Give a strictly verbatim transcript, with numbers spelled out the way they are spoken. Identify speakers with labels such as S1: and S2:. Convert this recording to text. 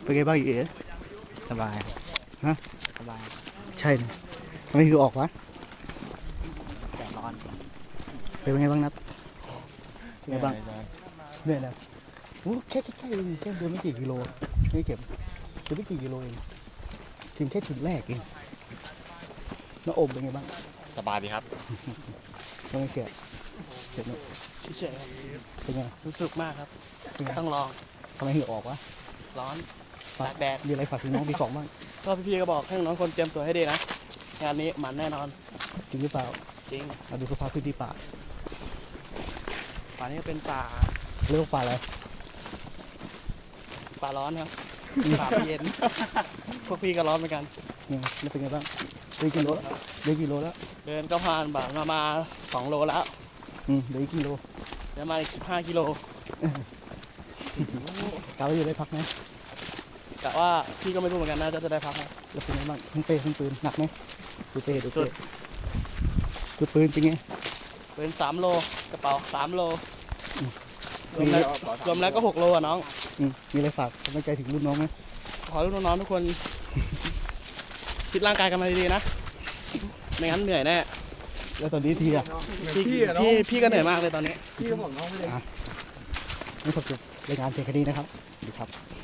S1: เป็นไงบ้างเอ๋
S2: สบาย
S1: ฮะ
S2: สบาย
S1: ใช่นะทำไมคือออกวะ
S2: แดดร้อน
S1: เป็นไงบ้างนับเป็นไงบ้างเหนื่อยนะโอ้แค่แค่แค่เองแค่เดินไม่กี่กิโลไม่เก็บเดินไม่กี่กิโลเองถึงแค่จุดแรกเองน้าอมเป็นไงบ้าง
S3: สบายดีครับ
S1: ทำไมเสียเสียเนอะ
S4: เฉยๆครับ
S1: เป็นไง
S4: รู้สึกมากครับ
S1: เป็นไง
S4: ต้องลอง
S1: ทำไมเหงื่อออกวะ
S4: ร้อน
S1: ฝาก
S4: ตากแดด
S1: มีอะไรฝากถึงน้องปีสองบ้าง
S4: ก็พี่ๆก็บอกให้น้องๆคนเตรียมตัวให้ดีนะ งานนี้มันแน่นอน
S1: จริงหรือเปล่า
S4: จริง
S1: มาดูสภาพพื้นที่ป่า
S4: ป่านี้เป็นป่า
S1: เรียกว่าป่าอะไร
S4: ป่าร้อนครับ ป่าไม่เย็น พวกพี่ก็ร้อนเหมือนกัน
S1: เนี่ยแล้วเป็นไงบ้างเดินกี่โลแล้วเดินกี่โลแล้ว
S4: เดินก็ผ่านบ่ามามาสองโลแล้ว
S1: อืมเดินกี่โล
S4: เดินมาอีกสิบห้ากิโล
S1: กาว่าจะได้พักไหม
S4: กะว่าพี่ก็ไม่รู้เหมือนกันนะจะจะได้พักไหม
S1: แล้วเป็นไงบ้างทั้งเป้ทั้งปืนหนักไหมดูเป้ดู
S4: สุ
S1: เป้
S4: ด
S1: ดูปืนเป็นไง
S4: เป็นสามโลกระเป๋าสามโล
S1: อืม
S4: รวมแล้วรวมแล้วก็หกโลอ่ะน้อง
S1: อืมมีอะไรฝากกำลังใจถึงรุ่นน้องไหม
S4: ขอให้น้องๆทุกคนฟิตร่างกายกันมาดีๆนะ ไม่งั้นเหนื่อยแน่
S1: แล้วตอนนี้ทีอ่ะ
S4: พี่พี่พี่ก็เหนื่อยมากเลยตอนนี้
S1: ไม่ขอบคุณรายงานเพียงแค่นี้นะครับสวัสดีครับ